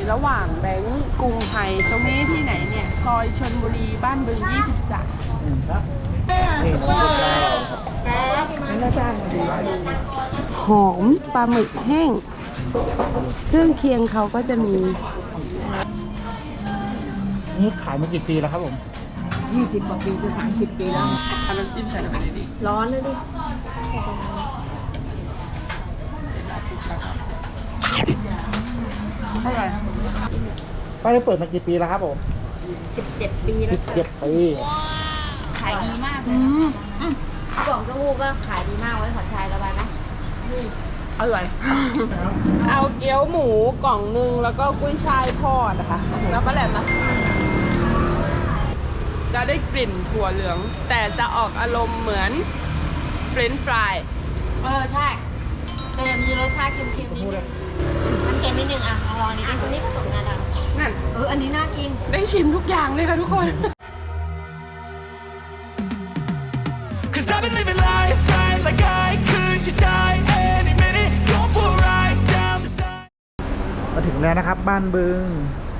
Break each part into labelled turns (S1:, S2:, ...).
S1: ระหว่างแบงก์กรุงไทยตรงนี้ที่ไหนเนี่ย ซอยชลบุรีบ้านบึง 23
S2: ครับนี่น้ำซุปได้นี่น่าจ้างมาดี
S1: หอมปลาหมึกแห้ง เครื่องเคียงเขาก็จะมี
S2: นี่ขายมากี่ปีแล้วครับผม
S3: 20 กว่าปีจะ30 ปีแล้ว
S1: เอาน้ำจิ้มใส่ลงไปดิ
S3: ร้อนเลยดิ
S1: เท่าไหร่
S2: ป้าได้เปิดมากี่ปีแล้วครับผม
S3: 17 ปีแล้ว
S2: 17 ปี
S3: ขายดีมากเลยกล่องเต้าหู้ก็ขายดีมากไว้ขอชายระบายนะ
S1: อร่อย เอาเกี๊ยวหมูกล่องนึงแล้วก็กุ้ยช่ายทอดนะคะแล้วก็แหลมนะจะได้กลิ่นถั่วเหลือง แต่จะออกอารมณ์เหมือนเฟรนช์ฟราย
S3: ใช่แต่จะมีรสชาติเค็มๆนิดนึงมันเค็มนิดนึงอ่ะลองนี่ดิคนนี้ผสมงาดำ
S1: นั่น
S3: อันนี้น่ากิน
S1: ได้ชิมทุกอย่างเลยค่ะทุกคน
S4: Cause I've been living life right like I could just die any minute. Going for a ride down the side.
S2: มาถึงแล้วนะครับบ้านบึง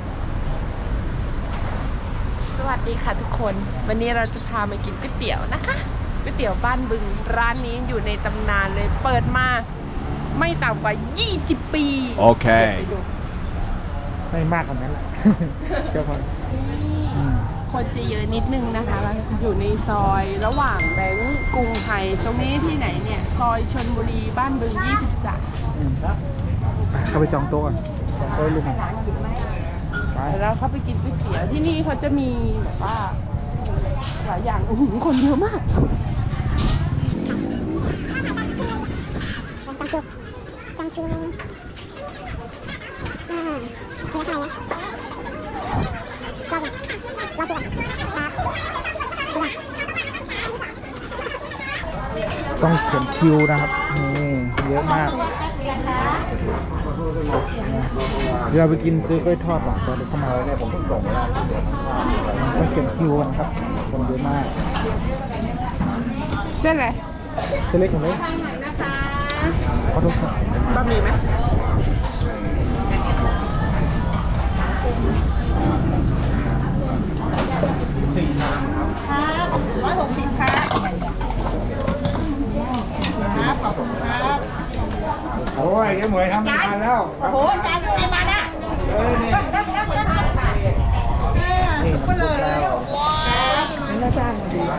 S1: สวัสดีค่ะทุกคน วันนี้เราจะพามากินก๋วยเตี๋ยวนะคะก๋วยเตี๋ยวบ้านบึงร้านนี้อยู่ในตำนานเลยเปิดมาไม่ต่ำกว่า 20 ปี
S4: โอเค
S1: ไปดู
S2: ไม่มากกว่านั้นแหละ เจ้าพอ
S1: คนจะเยอะนิดนึงนะคะแล้วอยู่ในซอยระหว่างแบงก์กรุงไทยตรงนี้ที่ไหนเนี่ย ซอยชลบุรีบ้านบึง 23
S2: ครับเข้าไปจองโต๊ะก่อนจองโต๊ะให้ลุงไป
S1: แล้วเข้าไปกินก๋วยเตี๋ยวที่นี่เขาจะมีแบบว่าหลายอย่างคนเยอะมาก
S2: ต้องเขียนคิวนะครับนี่เยอะมากเดี๋ยวเราไปกินซื้อกล้วยทอดหลังตอนเดินเข้ามาเนี่ยผมเพิ่งส่งมาต้องเขียนคิวกันครับคนเยอะมาก
S1: เส้นอะไร
S2: เส้นเล็กของเล็ก
S1: ทางไหนนะคะ
S2: ขอโทษครับ
S1: บะหมี่ไหม
S2: โอ้ยแกเหมยทำงานแล้ว
S3: โอ้โหจานอะไรมาน่ะ
S2: นี่น้ำซุปแล้วนี่น่าจ้างมาดี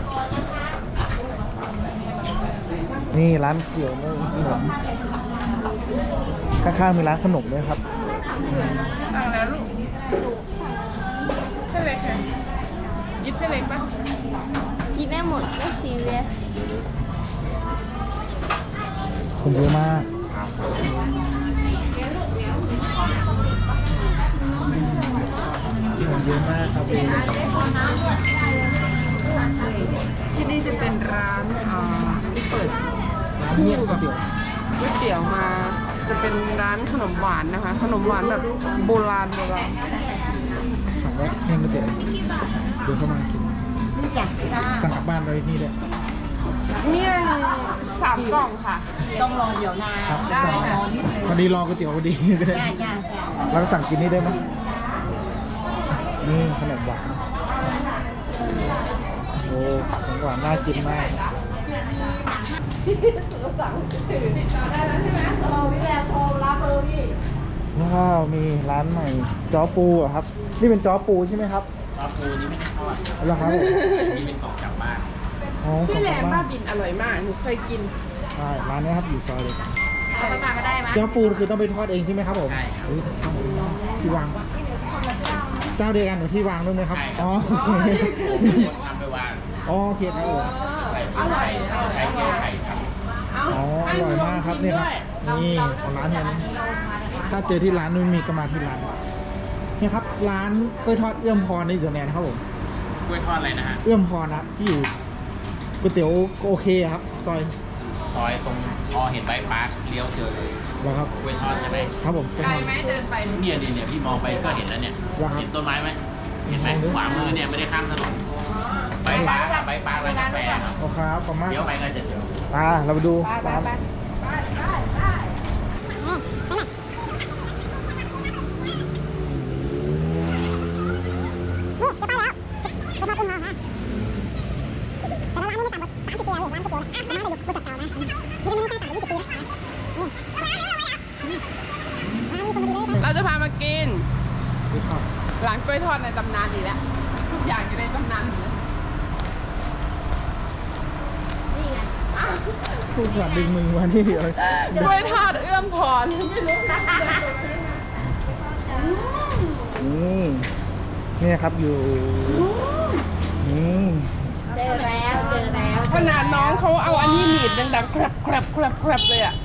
S2: นี่ร้านเกี่ยวเนื้อขนมข้างๆมีร้านขนมด้วยครับ
S1: สั่งแล้วลูกเส้นเล็กค่ะกินเส้นเล็กปะ
S5: กินได้หมดไม่ซีเรียส
S2: คนเยอะมากคนเยอะมากครับ
S1: ที่นี่จะเป็นร้านที่เปิด
S2: ร้านเมี่ยงก๋วยเตี๋ยว
S1: ก๋วยเตี๋ยวมา จะเป็นร้านขนมหวานนะคะ ขนมหวานแบบโบราณ
S2: สั่งไว้เมี่ยงก๋วยเตี๋ยวเดี๋ยวเข้ามากิน
S3: นี่จ้ะ
S2: สั่งกลับบ้านเลยนี่เลย
S1: เมี่ยง3 กล่องค่ะ
S3: ต้องรอเดี๋ยวนา
S2: ครับ
S1: ได้
S2: สั่ง
S1: ค่ะ
S2: พอดีรอก๋วยเตี๋ยวพอดีก็ได้
S3: จ้า
S2: แล้วก็สั่งกินนี่ได้ไหมนี่ขนมหวานโอ้ขนมหวานน่ากินมากว้าวมีร้านใหม่จ้อปูอะครับ นี่เป็นจ้อปูใช่ไหมครับ
S6: ปลาปูนี่ไม่ได้ทอด
S2: แล้วครับ
S6: นี่เป็นของกลับบ้าน
S2: อ๋อขอ
S1: พี่
S2: บ
S1: แหล
S2: คุณ
S1: ม
S2: มา
S1: บ้าก บินอร่อยมาก หนูเคยกิน
S2: ใช่ร้านนี้ครับอยู่ซอยเลย
S3: เอาไปมาก็ได้มั้ย
S2: จ้อปูคือต้องไปทอดเองใช่ไหมครับผม
S6: ใช่ครับ
S2: อุ๊ยที่วางเจ้าเดียวกันหรือที่วางด้วยไหมครับ
S6: ใช่
S2: อ๋อโอเค
S6: คนทำไปวาง
S2: อ๋อโอเคครับผม
S6: ใส่
S1: อร่อย
S6: ใช้เกลือไข่ครับ
S2: อ๋ออร่อยมากครับนี่ครับนี่ของร้านนี้ถ้าเจอที่ร้านนู้นมีก็มาที่ร้านนี่ครับร้านกล้วยทอดเอื้อมพรนี่อยู่ตรงไหนนะครับผม
S6: กล้วยทอดอะไรนะฮะ
S2: เอื้อมพรนะครับที่อยู่ก๋วยเตี๋ยวโอเคครับซอย
S6: ซอยตรงพอเห็นใบพาร์คเลี้ยวเจอเลย
S2: เหรอครับ
S6: กล้วยทอดใช่ไหม
S2: ครับผม
S1: ไกลไหมเดินไป
S6: เนี่ยพี่มองไปก็เห็นแล้วเนี่ย
S2: เหรอครับ
S6: เห็นต้นไม้ไหมเห็นไหมขวามือเนี่ยไม่ได้ข้ามถนนใบพาร์คใบพาร์คร้านกาแฟครับ
S2: โอเคครับขอบคุณมาก
S6: เลี้ยวไปก็จะเจอ
S2: เราไปดูร้าน
S1: จะพามากิน
S2: ดูครับ
S1: ร้านกล้วยทอดในตำนานอีกแล้วทุกอย่างอยู่ในตำนานหมดเลย
S3: นี่ไง
S2: พูดแบบดึงมือมานี่เลย
S1: กล้วยทอดเอื้อมพรไม่รู้นะ
S2: นี่ครับอยู่นี่
S3: เจอแล้วเจอแล้ว
S1: ขนาดน้องเขาเอาอันนี้หนีบดังๆครับเลยอ่ะ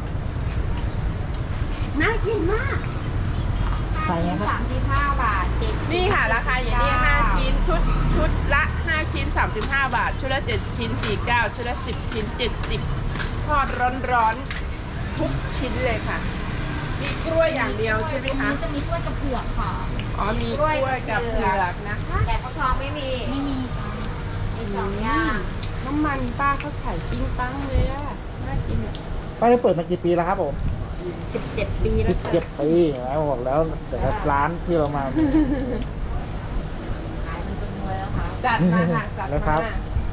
S3: น่ากินมาก
S2: ใส่นะครับ
S3: 35 บาท7
S1: นี่ค่ะราคาอย่างนี้5ชิ้นชุดละ5ชิ้น35 บาทชุดละ7ชิ้น49ชุดละ10ชิ้น70ทอดร้อนๆทุกชิ้นเลยค่ะมีกล้วยอย่างเดียวใช่ไหมคะ
S3: จะมีกล้วยกับเผือกค่ะ
S1: อ๋อมีกล้วยกับเผือกนะคะ
S3: แต่ฟักทองไม่มีมีสองอย่าง
S1: น้ำมันป้าเขาใส่ปิ้งปังเลยอะน่ากินอะ
S2: ป้าได้เปิดมากี่ปีแล้วครับผม
S3: 17 ปีแล้วค่ะ
S2: 17 ปีแล้วบอกแล้วแต่ละร้านที่เรามา
S3: ขายมันจนรวยแล้วค่ะ
S1: จัดมาค่ะจัด
S2: แล้วครั
S1: มา
S2: บ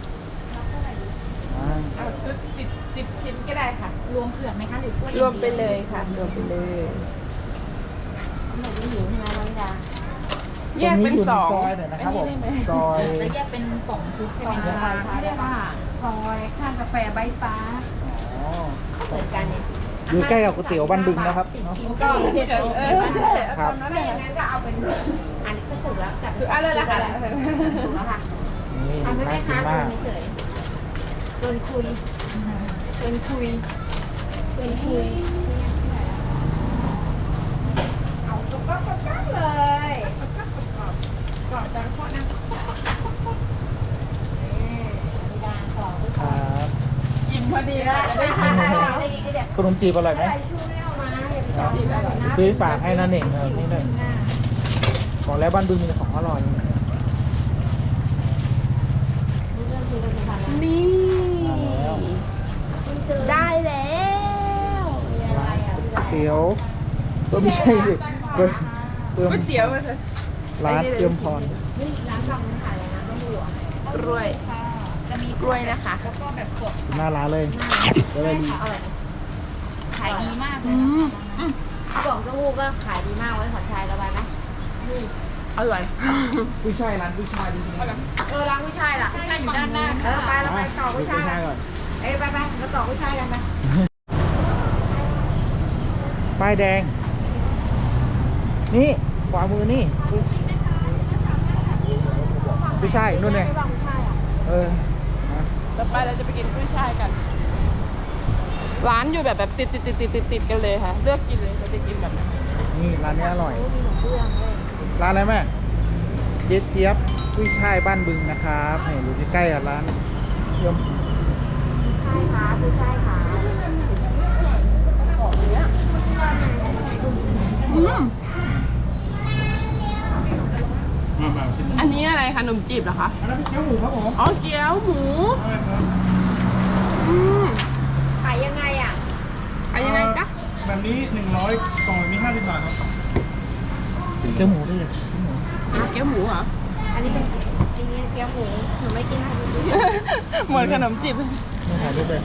S2: อ่า
S1: เอาชุด10ชิ้นก็ได้ค่ะ
S3: รวมเผือกไหมคะหรือกล้วย
S1: รวมไปเลยค่ะรวมไปเลย
S3: หนูไม่หิวใช่ไหมน้องดา
S1: แยกเป็น
S2: ตรง
S1: สอง
S2: ซอยหน่อยนะครับผม
S1: อัได้ไห
S2: ซอย
S3: แล้วแยกเป็นกล่องชุดใช่ไหม
S1: ใช่
S3: คะ
S1: เรียกว่าซอยข้างกาแฟใบฟ้า
S2: อ๋อ
S3: ก็เหมือนกันเนี่ย
S2: อยู่ใกล้กับก๋วยเตี๋ยวบ้านบึงนะครับ
S3: 10 ชิ้น
S1: ก็
S3: ก็
S1: เจ็ด
S3: 70
S1: เอ
S3: ใช่
S1: อ
S3: ไหม
S2: ครับ
S1: ตอนนั้น
S3: ถ้า
S1: เล
S3: อย ย่างนั้นก็เอาเป็นอันนี้ก็ถูกแล้วจับ
S1: คืออะไรล่ะคะ
S3: ถูกแล้วค่ะ
S2: นี่
S3: ทำให้
S2: น่า
S3: แม่
S2: กิน
S3: ค้า
S2: มา
S3: คุ
S2: ก
S3: ยเฉยๆชวนคุยชวนคุยชวนคุยเอาตุ๊กตาเลย
S1: กรอบจังโคตรนะ
S3: ดาของ
S2: ครับ
S1: อิ่มพอดีเลยจะได้
S3: ได้
S1: ทาน
S2: ขนมจีบอร่อยไหม
S3: อะไรชูไม่เอามาอย่าไปจับนะ
S2: ซื้อฝากให้นั่นเองนี่เลยบอกแล้วบ้านบึงมีแต่ของอร่อย
S1: นี่
S3: ได้
S1: ได้แล้ว
S3: มีอะไรอ่ะ
S2: เตี๋ยวก็ไม่ใช่ดิเพิ่ม
S1: ก๋วยเตี๋ยวมาเถอะ
S2: ร้านเตรียมพร
S3: นี่ร้านฝั่งนึงขายอะไรนะต้องดูอ่ะ
S1: กล้วยกล้วยนะคะ
S2: หน้าร้านเลยจะได้ดี
S3: ขายดีมากเล
S1: อื
S3: ย
S1: ม
S3: กล่องเต้าหู้ก็ขายดีมากไว้ขอนชายระบายไหม
S1: อร่อย
S2: กุ้ยช่ายร้านกุ้ยช่ายดีจริงๆ
S3: ร้านกุ้ยช่ายล่ะกุ้ยช่ายอยู่ด้านหน้าไปเราไปต่อกุ้ยช่ายกัน
S2: ก่อน
S3: ไปเราต่อกุ้ยช่ายกันไป
S2: ป้ายแดง นี่ขวามือนี่กุ้ยช่ายนู่นไงเออ
S1: ต่อไปเราจะไปกินกุ้ยช่ายกัน ร้านอยู่แบบติดกันเลยค่ะ เลือกกินเลยเราจะกินแบบไหน
S2: นี่ร้านนี้อร่อย
S3: มีหนูเบื้องเลย
S2: ร้านอะไรแม่เจี๊ยบเจี๊ยบกุ้ยช่ายบ้านบึงนะครับนี่อยู่ใกล้ๆกับร้านเยี่ยม
S3: ใช่ค่ะกุ้ยช่ายค่ะ
S1: อันนี้อะไรคะขนมจีบเหรอคะ
S2: อันนั้นเป็นเกี๊ยวหมูครับผม
S1: อ๋อเกี๊ยวหมู
S2: ใช่ครับ
S1: อืม
S3: ขายยังไงอ่ะ
S1: อะไรยังไงจ๊ะ
S7: แบบนี้ 100 กล่องนี้ 50 บาทครับ
S2: เกี๊ยวหมูด้วย
S1: เกี๊ยวหมูเหรอ
S3: อันนี้เป็นจริงๆเกี๊ยวหมูหนูไม่กินค่ะ
S1: เหมือนขนมจีบ
S2: นี่ถ่ายรูปเลย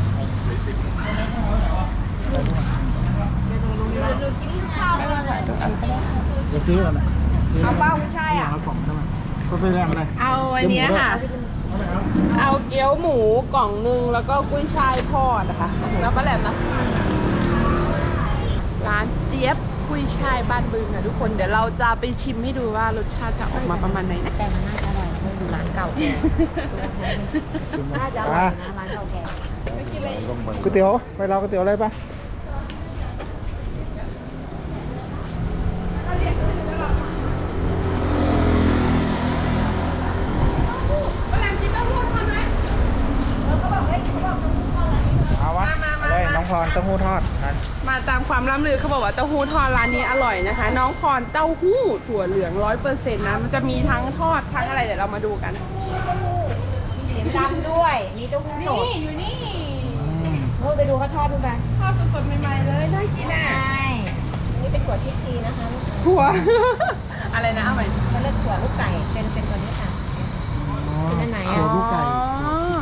S3: หนูกินข้าวเลย
S2: เดี๋ยวซื้อก่อนนะซื้อ
S3: เอาเป้ากุ้ยช่ายอ่ะ
S2: เอากล่องได้ไหมก็ไปแรงอะไร
S1: เอาอันเนี้ยค่ะ เอาเกี๊ยวหมูกล่องนึงแล้วก็กุ้ยช่ายทอดนะคะแล้วก็แหลมนะร้านเจี๊ยบกุ้ยช่ายบ้านบึงค่ะทุกคนเดี๋ยวเราจะไปชิมให้ดูว่ารสชาติจะออกมาประมาณไหนนะ
S3: แต่มันน่าจะอร่อยนะดูร้านเก่าแก่น่าจะอร่อยนะร้านเก่าแก่
S2: ก๋วยเตี๋ยวไปเราก๋วยเตี๋ยวอะไรปะ เอาวะเอาเลยน้องพรเต้าหู้ทอดนะ
S1: มาตามความล่ำลือเขาบอกว่าเต้าหู้ทอดร้านนี้อร่อยนะคะ น้องพรเต้าหู้ถั่วเหลือง100%นะมันจะมีทั้งทอดทั้งอะไรเดี๋ยวเรามาดูกัน
S3: มีเสียงดำด้วย มีเต้าหู้สด
S1: นี่อยู่นี่
S3: นู่นไปดูเขาทอดดูไป
S1: ทอดสดๆใหม่ๆเลยน่ากิน
S3: ใช
S1: อ่ะ
S3: ่อันนี้เป็นถั่วชิคกีนะคะ
S1: ถั่ว อะไรนะเอาใหม่
S3: เขาเรียกถั่วลูกไก่เป็นตัวนี้ค่ะ เป็นอันไหนอะ
S2: ถั่วลูกไก่
S1: อ๋อ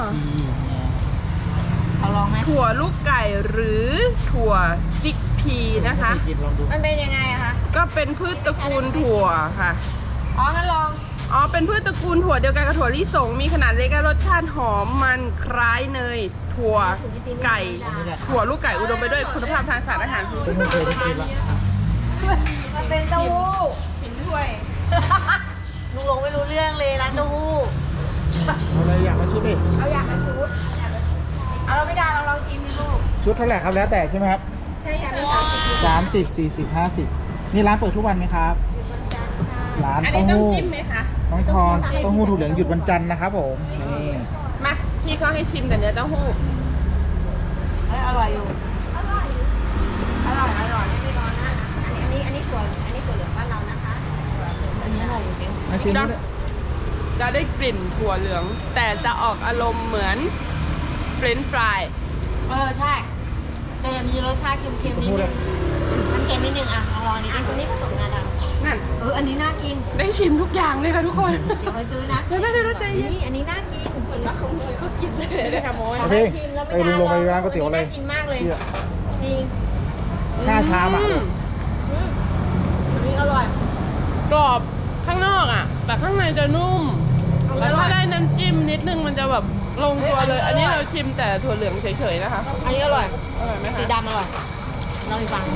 S3: เขาลองไหม
S1: ถั่วลูกไก่หรือถั่วซิกพีนะคะ
S2: กินลองดู
S3: มันเป็นยังไงอะคะ
S1: ก็เป็นพืชตระกูลถั่วค่ะ
S3: อ๋องั้นลอง
S1: อ๋อ เป็นพืชตระกูลถั่วเดียวกันกับถั่วลิสง มีขนาดเล็กและรสชาติหอมมันคล้ายเนย ถั่วไก่ ถั่วลูกไก่อุดมไปด้วยคุณภาพทางสารอาหารสูง
S2: ไม่เคยได้กินละ
S3: มันเป็นเต้าหู้ผินถ้วย ลุงลงไม่รู้เรื่องเลยร้านเต้าหู้
S2: เอาเลยอยากมาชุดดิ
S3: เอาอยากมาชุดเอาเราไม่ได้เราลองชิมดิลูก
S2: ชุดเท่าไหร่ครับแล้วแต่ใช่ไหมครับ
S3: ใช่อยากมี30
S2: 30 40 50นี่ร้านเปิดทุกวันไหมครับ ร้าน
S1: อัน
S2: เต้า
S1: นี้ต้อง
S2: หู้
S1: จิ้มไหมคะ
S2: น้องทอนเต้าหู้ถั่วเหลืองหยุดวันจันทร์นะครับผมนี่
S1: มา พี่เขาให้ชิมแต่เนื้อเต้าหู้
S3: อร่อยอยู่ อร่อยไม่ร้อนนะอันนี้ถั่วเหลืองบ้านเรานะคะ อันนี้อร่อยอยู่จริง
S2: มาชิม
S1: จะ
S2: ด้วย
S1: จะได้กลิ่นถั่วเหลือง แต่จะออกอารมณ์เหมือนเฟรนช์ฟราย
S3: ใช่แต่มีรสชาติเค็มๆนิดนึงมันเค็มนิดนึงอ่ะลองดิอันนี้ผสมงาดำ
S1: นั่น
S3: อันนี้น่ากิน
S1: ได้ชิมทุกอย่างเลยค่ะทุกคน
S3: เดี๋ยวไปซื้อนะ
S1: เดี๋ยวใจเย็น
S3: นี่อันนี้น่ากินเหมือนว่าเขาก็กินเลย
S1: ได้ค่ะโมย
S2: โอเคไปลุงลงไปร้านก๋วยเตี๋ยวเลย
S3: น่ากินมากเลย
S2: เชื่อ
S3: จริง
S2: 5 ชามอ่ะ
S3: อันนี้อร่อย
S1: กรอบข้างนอกอ่ะ แต่ข้างในจะนุ่ม แล้วถ้าได้น้ำจิ้มนิดนึงมันจะแบบลงตัวเลย อันนี้เราชิมแต่ถั่วเหลืองเฉยๆนะคะ
S3: อันนี้อร่อย
S1: อร่อยไหม
S3: สี
S1: คะ
S3: ดำอร่อยลองอีกฟัง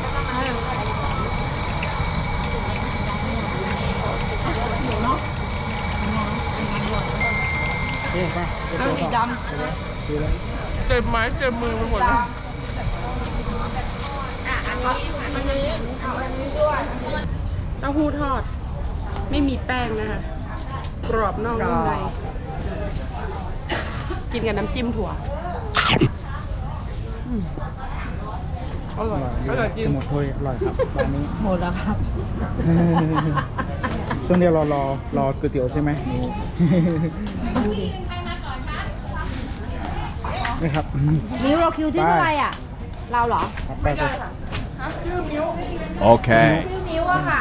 S2: เอ๊ะไป
S3: เอาสีด
S2: ซื้อแล้ว
S1: เจ็บไม้เจ็บมือไปหมดเลย
S3: ำอันนี้เอาอันนี้ด้วย
S1: เต้าหู้ทอด ไม่มีแป้งนะคะ กรอบนอกนุ่มในกินกับน้ำจิ้มถั่วอืมอร่อย อร่อยจริง
S2: จะหมดถ้วยอร่อยครับร้านนี้
S3: หมดแล้วครับ
S2: ช่วงเดียวรอก๋วยเตี๋ยวใช่ไหมนี่ครับ
S3: นิ้วเราคิวที่เท่าไหร่อ่ะ เราเหรอ
S2: ไปไป
S4: Okay.
S3: ชื่อนิ้วอะค่ะ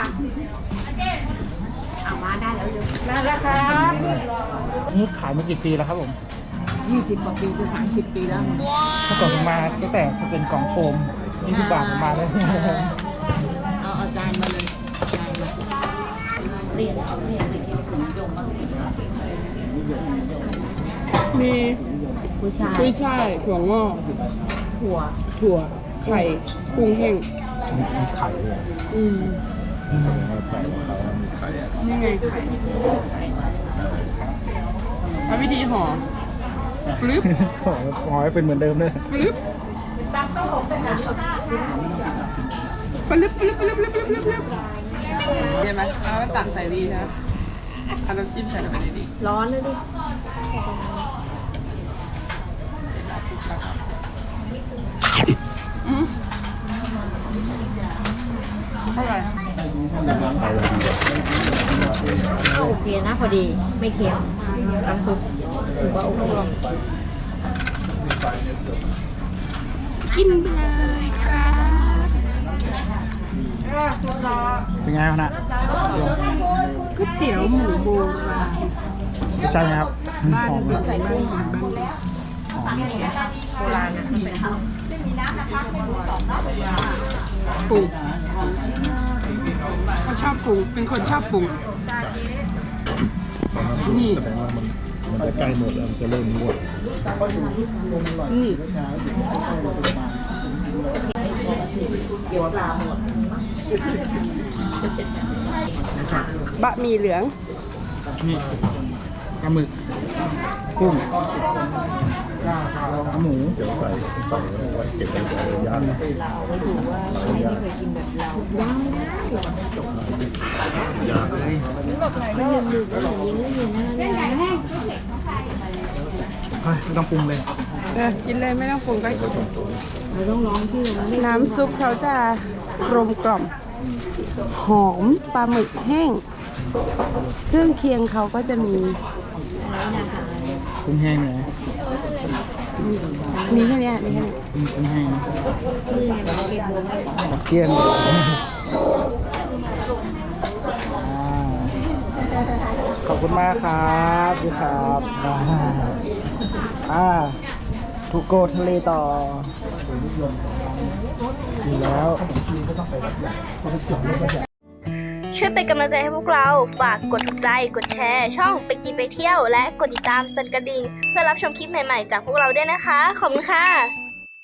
S3: เอามาได้แล้วเร็วมาแล้วครับ
S2: นี่ขายมากี่ปีแล้วครับผม
S3: 20 กว่าปีจะ30 ปีแล้ว
S2: เมื่อก่อนผมมาตั้งแต่เป็นกล่องโฟม20 บาทผมมาเลย
S3: เอาจานมาเลยจานมาเรียนไปกินขนมยงบ้าง
S1: มี
S3: ผู้ชาย
S1: กุ้ยช่ายถั่วงอก ถั่ว ไข่กุ้งแห้ง
S2: มีไข่เลย
S1: อืมนี่ไงไข่เอาวิธีห่อฟลิป
S2: หอยเป็นเหมือนเดิมเลย
S1: ฟลิปฟลิปฟลิปฟลิปฟลิปฟลิปฟลิปฟลิปเห็นไหมแล้วก็ตักใส่ดีครับเอาน้ำจิ้มใส่ลงไปดี
S3: ร้อนเลยดิ
S1: อืมอร่อย
S3: โอเคนะพอดีไม่เค็มน้ำซุปถือว่าโอเค
S1: กินไปเลยค่ะ
S2: เป็นไงครับนะ
S1: ก๋วยเตี๋ยวหมูโบราณ
S2: ใช่ไหมครับ
S1: บ้าน
S2: หอม
S1: เด็กใส่กุ้งหอม
S3: โบราณนะใส่ข้าว
S1: ปรุงเขาชอบปรุงเป็นคนชอบปรุงนี่
S7: มันจะใกล้หมดแล้วมันจะเริ่มงวด
S1: นี่บะหมี่เหลือง
S2: นี่ปลาหมึกกุ้งหมู
S7: เดี๋ยวใส่ไว้เก็บไว้ก่อนย่าง
S2: เฮ้ยไม่ต้องปรุงเลย
S1: กินเลยไม่ต้องปรุงก็กินน้ำซุปเขาจะกลมกล่อม หอมปลาหมึกแห้ง เครื่องเคียงเขาก็จะมี
S2: กุ้งแห้งเลย
S1: มีแค่เนี้ยมีแค่เนี้ย
S2: กุ้งแห้งเกี๊ยนขอบคุณมากครับพี่ครับทูโกทะเลต่อดีแล้ว
S5: ช่วยเป็นกำลังใจให้พวกเรา ฝากกดถูกใจ กดแชร์ ช่องไปกินไปเที่ยว และกดติดตามสั่นกระดิ่งเพื่อรับชมคลิปใหม่ๆจากพวกเราด้วยนะคะ ขอบคุณค่ะ